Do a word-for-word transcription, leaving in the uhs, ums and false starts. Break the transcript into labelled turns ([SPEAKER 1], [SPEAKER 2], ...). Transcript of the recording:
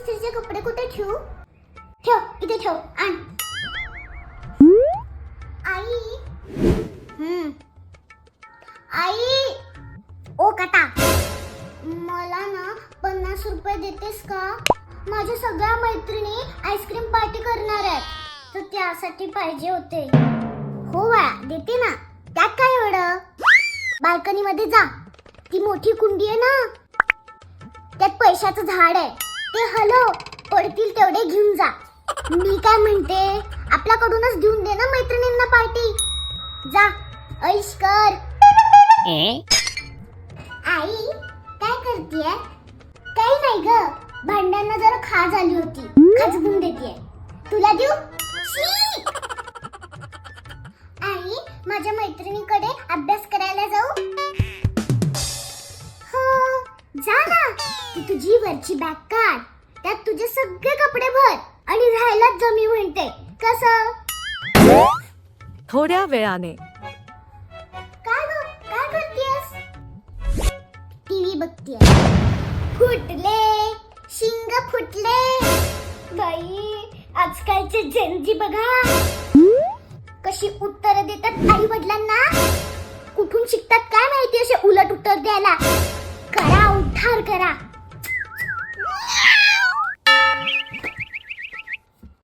[SPEAKER 1] इस्त्रीचे कपडे कुठे ठेवू? ठेव इथे ठेव. आण. आई. हम्म. आई. ओ काटा. मला ना पन्नास रुपये देतेस का? माझ्या सगळ्या मैत्रिणी आईस्क्रीम पार्टी करणार आहेत तर त्यासाठी पाहिजे होते. हो बाळा देते ना. त्यात काय एवढं? बाल्कनी मध्ये जा. ती मोठी कुंडी आहे ना त्यात पैशाचं झाड आहे ते हलव. पडतील तेवढे घेऊन जा. मी काय म्हणते आपल्याकडूनच घेऊन दे ना मैत्रिणींना पार्टी. जा ऐश कर. आई काय करतेय? काही नाही ग. भांड्यांना जरा खाज आली होती. खाजवून देतेय. तुला देऊ? शी! आई माझ्या मैत्रिणीकडे अभ्यास करायला जाऊ? हो जा ना. ती तुझी वरची बॅग काढ. त्यात तुझे सगळे कपडे भर आणि राहायलाच जमी म्हणते. कसं?
[SPEAKER 2] थोड्या वेळाने.
[SPEAKER 1] काय ग काय करतेस? टीव्ही बघतेय. फुटले शिंग फुटले. बाई आजकालचे जेनजी बघा कशी उत्तर देतात आई वडिलांना. कुठून शिकतात काय माहिती असे उलट उत्तर द्यायला. करा उद्धार करा.